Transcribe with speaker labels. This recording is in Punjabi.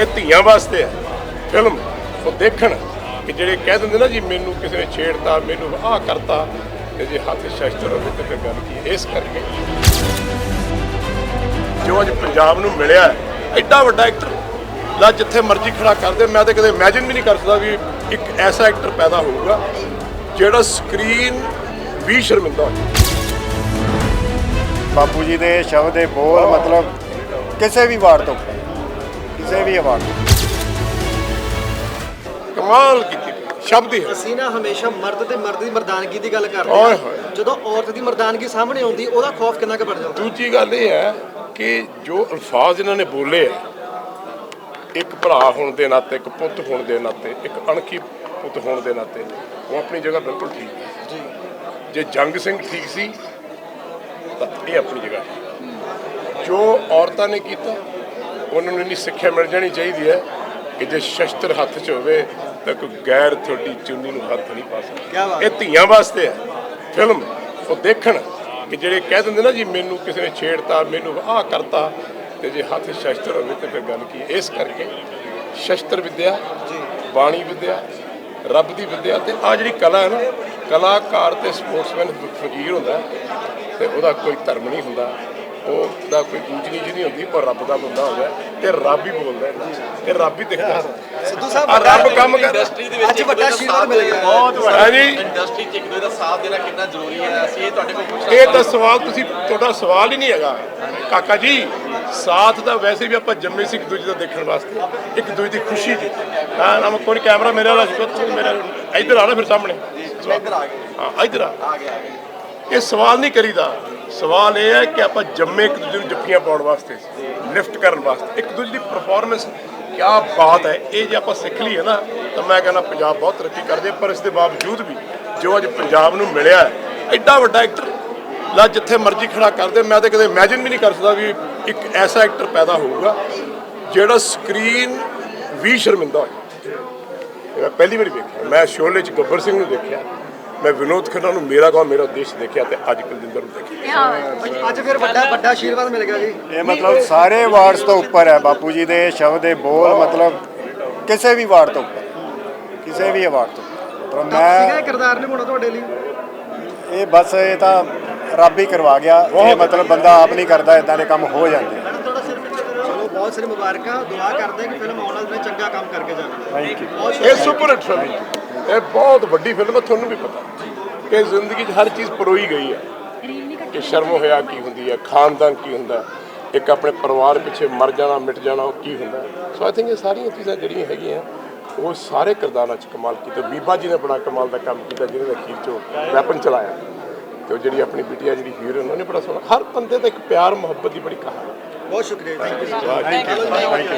Speaker 1: ਇਹ ਧੀਆਂ ਵਾਸਤੇ ਹੈ ਫਿਲਮ। ਉਹ ਦੇਖਣ ਕਿ ਜਿਹੜੇ ਕਹਿ ਦਿੰਦੇ ਨਾ ਜੀ ਮੈਨੂੰ ਕਿਸੇ ਨੇ ਛੇੜਤਾ, ਮੈਨੂੰ ਆਹ ਕਰਤਾ, ਤੇ ਜੇ ਹੱਥ ਸ਼ਸਤਰ ਹੋਵੇ ਤੇ ਫਿਰ ਗੱਲ ਕੀ ਹੈ। ਇਸ ਕਰਕੇ ਜੋ ਅੱਜ ਪੰਜਾਬ ਨੂੰ ਮਿਲਿਆ ਐਡਾ ਵੱਡਾ ਐਕਟਰ ਲਾ ਜਿੱਥੇ ਮਰਜ਼ੀ ਖੜਾ ਕਰਦੇ, ਮੈਂ ਤਾਂ ਕਦੇ ਇਮੈਜਿਨ ਵੀ ਨਹੀਂ ਕਰ ਸਕਦਾ ਵੀ ਇੱਕ ਐਸਾ ਐਕਟਰ ਪੈਦਾ ਹੋਊਗਾ ਜਿਹੜਾ ਸਕਰੀਨ ਵੀ ਸ਼ਰਮਿੰਦਾ ਹੋ ਜਾਏ।
Speaker 2: ਬਾਪੂ ਜੀ ਦੇ ਸ਼ਬਦ ਦੇ ਬੋਲ ਮਤਲਬ ਕਿਸੇ ਵੀ ਵਾਰ ਤੋਂ ਕਿਸੇ ਵੀ ਆਵਾਜ਼
Speaker 1: ਕਮਾਲ ਕੀਤੀ ਸ਼ਬਦ ਹੀ ਹੈ।
Speaker 3: ਅਸੀਂ ਨਾ ਹਮੇਸ਼ਾ ਮਰਦ ਤੇ ਮਰਦ ਦੀ ਮਰਦਾਨਗੀ ਦੀ ਗੱਲ ਕਰਦੇ ਹਾਂ, ਜਦੋਂ ਔਰਤ ਦੀ ਮਰਦਾਨਗੀ ਸਾਹਮਣੇ ਆਉਂਦੀ ਉਹਦਾ ਖੌਫ ਕਿੰਨਾ ਕੁ ਵੱਧ ਜਾਂਦਾ।
Speaker 1: ਦੂਜੀ ਗੱਲ ਇਹ ਹੈ ਕਿ ਜੋ ਅਲਫਾਜ਼ ਇਹਨਾਂ ਨੇ ਬੋਲੇ ਆ, ਇੱਕ ਭਰਾ ਹੋਣ ਦੇ ਨਾਤੇ, ਇੱਕ ਪੁੱਤ ਹੋਣ ਦੇ ਨਾਤੇ, ਇੱਕ ਅਣਖੀ ਪੁੱਤ ਹੋਣ ਦੇ ਨਾਤੇ ਉਹ ਆਪਣੀ ਜਗ੍ਹਾ ਬਿਲਕੁਲ ਠੀਕ ਹੈ ਜੀ। ਜੇ ਜੰਗ ਸਿੰਘ ਠੀਕ ਸੀ ਤਾਂ ਇਹ ਆਪਣੀ ਜਗ੍ਹਾ ਠੀਕ। ਜੋ ਔਰਤਾਂ ਨੇ ਕੀਤਾ ਉਹਨਾਂ ਨੂੰ ਇੰਨੀ ਸਿੱਖਿਆ ਮਿਲ ਜਾਣੀ ਚਾਹੀਦੀ ਹੈ ਕਿ ਜੇ ਸ਼ਸਤਰ ਹੱਥ 'ਚ ਹੋਵੇ ਤਾਂ ਕੋਈ ਗੈਰ ਤੁਹਾਡੀ ਚੁੰਨੀ ਨੂੰ ਹੱਥ ਨਹੀਂ ਪਾ ਸਕਦਾ। ਇਹ ਧੀਆਂ ਵਾਸਤੇ ਹੈ ਫਿਲਮ। ਉਹ ਦੇਖਣ ਕਿ ਜਿਹੜੇ ਕਹਿ ਦਿੰਦੇ ਨਾ ਜੀ ਮੈਨੂੰ ਕਿਸੇ ਨੇ ਛੇੜਤਾ, ਮੈਨੂੰ ਆਹ ਕਰਤਾ, ਤੇ ਜੇ ਹੱਥ ਸ਼ਸਤਰ ਹੋਵੇ ਤੇ ਫਿਰ ਗੱਲ ਕੀ ਹੈ। ਇਸ ਕਰਕੇ ਸ਼ਸਤਰ ਵਿਦਿਆ, ਬਾਣੀ ਵਿਦਿਆ, ਰੱਬ ਦੀ ਵਿਦਿਆ ਤੇ ਆ ਜਿਹੜੀ ਕਲਾ ਹੈ ਨਾ, ਕਲਾਕਾਰ ਤੇ ਸਪੋਰਟਸਮੈਨ ਫਕੀਰ ਹੁੰਦਾ ਤੇ ਉਹਦਾ ਕੋਈ ਧਰਮ ਨਹੀਂ ਹੁੰਦਾ, ਉਹਦਾ ਕੋਈ ਊਚ ਨੀਚ ਨਹੀਂ ਹੁੰਦੀ। ਉਹ ਰੱਬ ਦਾ ਬੰਦਾ ਹੁੰਦਾ ਤੇ ਰੱਬ ਹੀ ਬੋਲਦਾ ਤੇ ਰੱਬ ਹੀ ਦਿਖਦਾ।
Speaker 3: ਸਿੱਧੂ ਸਾਹਿਬ
Speaker 1: ਰੱਬ ਕੰਮ ਕਰ
Speaker 4: ਇੰਡਸਟਰੀ ਦੇ ਵਿੱਚ
Speaker 3: ਅੱਜ ਵੱਡਾ ਆਸ਼ੀਰਵਾਦ ਮਿਲ ਗਿਆ।
Speaker 1: ਬਹੁਤ ਵੱਡਾ ਜੀ।
Speaker 4: ਇੰਡਸਟਰੀ 'ਚ ਇੱਕ ਦੂਜੇ ਦਾ ਸਾਥ ਦੇਣਾ ਕਿੰਨਾ ਜ਼ਰੂਰੀ ਹੈ, ਅਸੀਂ ਇਹ ਤੁਹਾਡੇ ਕੋਲ ਪੁੱਛਣਾ।
Speaker 1: ਇਹ ਤਾਂ ਸਵਾਲ ਤੁਹਾਡਾ ਸਵਾਲ ਹੀ ਨਹੀਂ ਹੈਗਾ ਕਾਕਾ ਜੀ। ਸਾਥ ਤਾਂ ਵੈਸੇ ਵੀ ਆਪਾਂ ਜੰਮੇ ਸੀ ਇੱਕ ਦੂਜੇ ਦਾ ਦੇਖਣ ਵਾਸਤੇ, ਇੱਕ ਦੂਜੇ ਦੀ ਖੁਸ਼ੀ 'ਚ। ਹਾਂ ਨਾ ਕੋਈ ਕੈਮਰਾ ਮੇਰੇ ਵਾਲਾ ਸੀ, ਮੇਰਾ ਇੱਧਰ ਆਣਾ ਫਿਰ ਸਾਹਮਣੇ।
Speaker 4: ਇੱਧਰ ਆ ਗਏ,
Speaker 1: ਹਾਂ ਇੱਧਰ ਆ।
Speaker 4: ਆ ਗਿਆ
Speaker 1: ਇਹ ਸਵਾਲ ਨਹੀਂ ਕਰੀਦਾ। ਸਵਾਲ ਇਹ ਹੈ ਕਿ ਆਪਾਂ ਜੰਮੇ ਇੱਕ ਦੂਜੇ ਨੂੰ ਜੱਫੀਆਂ ਪਾਉਣ ਵਾਸਤੇ, ਲਿਫਟ ਕਰਨ ਵਾਸਤੇ, ਇੱਕ ਦੂਜੇ ਦੀ ਪਰਫਾਰਮੈਂਸ ਕਿਆ ਬਾਤ ਹੈ। ਇਹ ਜੇ ਆਪਾਂ ਸਿੱਖ ਲਈਏ ਨਾ ਤਾਂ ਮੈਂ ਕਹਿੰਦਾ ਪੰਜਾਬ ਬਹੁਤ ਤਰੱਕੀ ਕਰ ਜਾਏ। ਪਰ ਇਸ ਦੇ ਬਾਵਜੂਦ ਵੀ ਜੋ ਅੱਜ ਪੰਜਾਬ ਨੂੰ ਮਿਲਿਆ ਐਡਾ ਵੱਡਾ ਐਕਟਰ ਲਾ ਜਿੱਥੇ ਮਰਜ਼ੀ ਖੜਾ ਕਰਦੇ, ਮੈਂ ਤਾਂ ਕਦੇ ਇਮੈਜਿਨ ਵੀ ਨਹੀਂ ਕਰ ਸਕਦਾ ਵੀ ਇੱਕ ਐਸਾ ਐਕਟਰ ਪੈਦਾ ਹੋਊਗਾ ਜਿਹੜਾ ਸਕਰੀਨ ਵੀ ਸ਼ਰਮਿੰਦਾ ਹੋ ਜਾਏ। ਮੈਂ ਪਹਿਲੀ ਵਾਰੀ ਵੇਖਿਆ, ਮੈਂ ਸ਼ੋਲੇ 'ਚ ਗੱਬਰ ਸਿੰਘ ਨੂੰ ਦੇਖਿਆ, ਮੈਂ ਵਿਨੋਦ ਖੰਨਾ ਨੂੰ ਮੇਰਾ ਗਾਉਂ ਮੇਰਾ ਦੇਸ਼ ਦੇਖਿਆ, ਤੇ ਅੱਜ ਕੁਲਜਿੰਦਰ ਨੂੰ ਦੇਖਿਆ।
Speaker 3: ਅੱਜ ਫਿਰ ਵੱਡਾ ਆਸ਼ੀਰਵਾਦ ਮਿਲ ਗਿਆ ਜੀ।
Speaker 2: ਇਹ ਮਤਲਬ ਸਾਰੇ ਵਾਰਡਸ ਤੋਂ ਉੱਪਰ ਹੈ ਬਾਪੂ ਜੀ ਦੇ ਸ਼ਬਦ ਦੇ ਬੋਲ ਮਤਲਬ ਕਿਸੇ ਵੀ ਵਾਰ ਤੋਂ ਕਿਸੇ ਵੀ ਆਵਾਜ਼ ਤੋਂ ਮਤਲਬ
Speaker 3: ਸੀਗਾ
Speaker 2: ਮੈਂ
Speaker 3: ਕਿਰਦਾਰ ਨਿਭਾਉਣਾ ਤੁਹਾਡੇ ਲਈ।
Speaker 2: ਇਹ ਬਸ ਇਹ ਤਾਂ ਰੱਬ ਹੀ ਕਰਵਾ ਗਿਆ। ਇਹ ਮਤਲਬ ਬੰਦਾ ਆਪ ਨਹੀਂ ਕਰਦਾ, ਇਦਾਂ ਦੇ ਕੰਮ ਹੋ ਜਾਂਦੇ।
Speaker 3: ਚਲੋ ਬਹੁਤ ਸਾਰੀ ਮੁਬਾਰਕਾਂ, ਦੁਆ ਕਰਦੇ ਕਿ ਫਿਲਮ ਆਉਣ ਵਾਲੇ ਦਿਨ ਚੰਗਾ ਕੰਮ ਕਰਕੇ ਜਾਵੇ।
Speaker 2: Thank you.
Speaker 1: ਇਹ ਸੁਪਰ ਹਿੱਟ ਫਿਲਮ, ਇਹ ਬਹੁਤ ਵੱਡੀ ਫਿਲਮ ਹੈ। ਤੁਹਾਨੂੰ ਵੀ ਪਤਾ ਕਿ ਜ਼ਿੰਦਗੀ 'ਚ ਹਰ ਚੀਜ਼ ਪਰੋਈ ਗਈ ਹੈ ਕਿ ਸ਼ਰਮ ਹੋਇਆ ਕੀ ਹੁੰਦੀ ਹੈ, ਖਾਨਦਾਨ ਕੀ ਹੁੰਦਾ, ਇੱਕ ਆਪਣੇ ਪਰਿਵਾਰ ਪਿੱਛੇ ਮਰ ਜਾਣਾ, ਮਿਟ ਜਾਣਾ, ਉਹ ਕੀ ਹੁੰਦਾ। ਸੋ ਆਈ ਥਿੰਕ ਇਹ ਸਾਰੀਆਂ ਚੀਜ਼ਾਂ ਜਿਹੜੀਆਂ ਹੈਗੀਆਂ ਉਹ ਸਾਰੇ ਕਿਰਦਾਰਾਂ 'ਚ ਕਮਾਲ ਕੀਤਾ। ਬੀਬਾ ਜੀ ਨੇ ਬੜਾ ਕਮਾਲ ਦਾ ਕੰਮ ਕੀਤਾ, ਜਿਹਨੇ ਅਖੀਰ 'ਚੋਂ ਵੈਪਨ ਚਲਾਇਆ, ਤੇ ਉਹ ਜਿਹੜੀ ਆਪਣੀ ਬਿਟੀਆ ਜਿਹੜੀ ਹੀਰੋਇਨ, ਉਹਨਾਂ ਨੇ ਬੜਾ ਸੋਹਣਾ। ਹਰ ਬੰਦੇ ਦਾ ਇੱਕ ਪਿਆਰ ਮੁਹੱਬਤ ਦੀ ਬੜੀ ਕਹਾਣੀ।
Speaker 3: ਬਹੁਤ ਸ਼ੁਕਰੀਆ, ਥੈਂਕ ਯੂ।